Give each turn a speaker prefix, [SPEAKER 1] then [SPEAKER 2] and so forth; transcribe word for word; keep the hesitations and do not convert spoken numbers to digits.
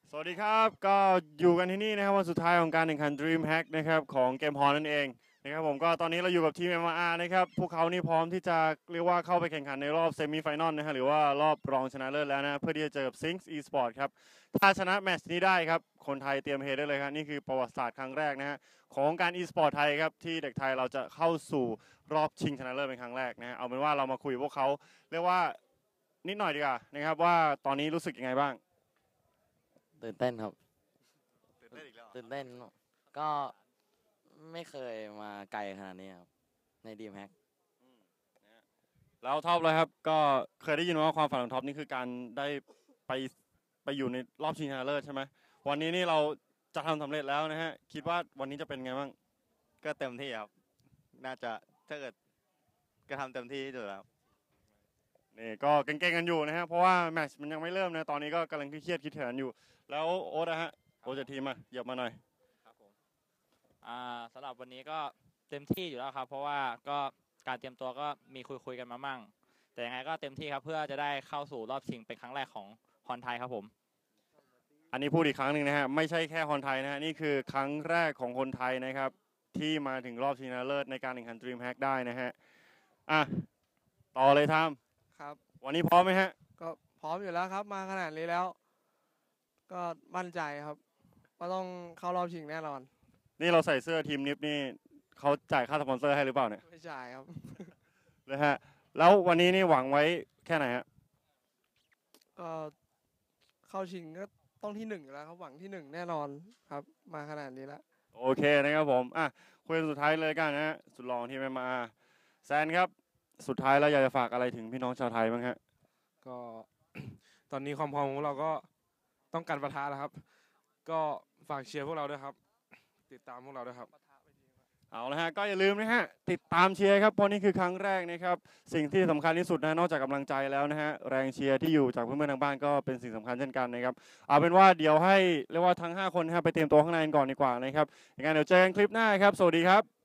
[SPEAKER 1] สวัสดีครับก็อยู่กันที่นี่นะครับวันสุดท้ายของการแข่งขัน Dream Hack นะครับของเกมฮอนนั่นเองนะครับผมก็ตอนนี้เราอยู่กับทีม เอ็ม อาร์ นะครับพวกเขานี่พร้อมที่จะเรียกว่าเข้าไปแข่งขันในรอบเซมิไฟนอลนะฮะหรือว่ารอบรองชนะเลิศแล้วนะเพื่อที่จะเจอกับ Sinks Esport ครับถ้าชนะแมตช์นี้ได้ครับคนไทยเตรียมเฮได้เลยครับนี่คือประวัติศาสตร์ครั้งแรกนะฮะของการ e-sport ไทยครับที่เด็กไทยเราจะเข้าสู่รอบชิงชนะเลิศเป็นครั้งแรกนะฮะเอาเป็นว่าเรามาคุยพวกเขาเรียกว่านิดหน่อยดีกว่านะครับว่าตอนนี้รู้สึกยังไงบ้าง
[SPEAKER 2] ตื่นเต้นครับ
[SPEAKER 1] ตื่นเต้นอีกแล้ว
[SPEAKER 2] ตื่นเต้นก็ไม่เคยมาไกลขนาดนี้ครับในดีมแฮก
[SPEAKER 1] แล้วท็อปเลยครับก็เคยได้ยินว่าความฝันของท็อปนี่คือการได้ไปไปอยู่ในรอบชิงชนะเลิศใช่ไหมวันนี้นี่เราจะทำสำเร็จแล้วนะฮะคิดว่าวันนี้จะเป็นไงบ้าง
[SPEAKER 3] ก็เต็มที่ครับน่าจะถ้าเกิดก็ทำเต็มที่ที่สุดแล้ว
[SPEAKER 1] นี่ก็เก่งๆกันอยู่นะฮะเพราะว่าแมตช์มันยังไม่เริ่มนะตอนนี้ก็กำลังเครียดคิดแผนอยู่แล้วโอ๊ตนะฮะโอ๊ตจากทีมมาเหยียบมาหน่อย
[SPEAKER 4] ครับผมอ่าสำหรับวันนี้ก็เต็มที่อยู่แล้วครับเพราะว่าก็การเตรียมตัวก็มีคุยคุยกันมามั่งแต่ยังไงก็เต็มที่ครับเพื่อจะได้เข้าสู่รอบชิงเป็นครั้งแรกของฮอนไทยครับผม
[SPEAKER 1] อันนี้พูดอีกครั้งหนึ่งนะฮะไม่ใช่แค่คนไทยนะฮะนี่คือครั้งแรกของคนไทยนะครับที่มาถึงรอบชิงชนะเลิศในการแข่งขัน Dream Hack ได้นะฮะอ่ะต่อเลยทาม
[SPEAKER 5] ครับ
[SPEAKER 1] วันนี้พร้อมไหมฮะ
[SPEAKER 5] ก็พร้อมอยู่แล้วครับมาขนาดนี้แล้ว ก็มั่นใจครับว่าต้องเข้ารอบชิงแน่นอน
[SPEAKER 1] นี่เราใส่เสื้อทีมนิฟนี่เขาจ่ายค่าสปอนเซอร์ให้หรือเปล่าเนี่ย
[SPEAKER 5] ไม่จ่ายครับ
[SPEAKER 1] นะฮะแล้ววันนี้นี่หวังไว้แค่ไหนฮะ
[SPEAKER 5] ก็เข้าชิงก็ต้องที่หนึ่งอยู่แล้วครับหวังที่หนึ่งแน่นอนครับมาขนาดนี้แล้ว
[SPEAKER 1] โอเคนะครับผมอ่ะคุยสุดท้ายเลยกันนะฮะสุดรองที่ไม่มาแซนครับสุดท้ายแล้วอยากจะฝากอะไรถึงพี่น้องชาวไทยบ้างฮะ
[SPEAKER 6] ก็ ตอนนี้ความพร้อมของเราก็ต้องการประทะแล้วครับก็ฝากเชียร์พวกเราด้วยครับติดตามพวกเราด้วยครับ
[SPEAKER 1] เอาละฮะก็อย่าลืมนะฮะติดตามเชียร์ครับเพราะนี่คือครั้งแรกนะครับสิ่งที่สำคัญที่สุดนะนอกจากกำลังใจแล้วนะฮะแรงเชียร์ที่อยู่จากเพื่อนๆทางบ้านก็เป็นสิ่งสำคัญเช่นกันนะครับเอาเป็นว่าเดี๋ยวให้เรียกว่าทั้งห้าคนนะฮะไปเตรียมตัวข้างในก่อนดีกว่านะครับอย่างนั้นเดี๋ยวเจอกันคลิปหน้าครับสวัสดีครับ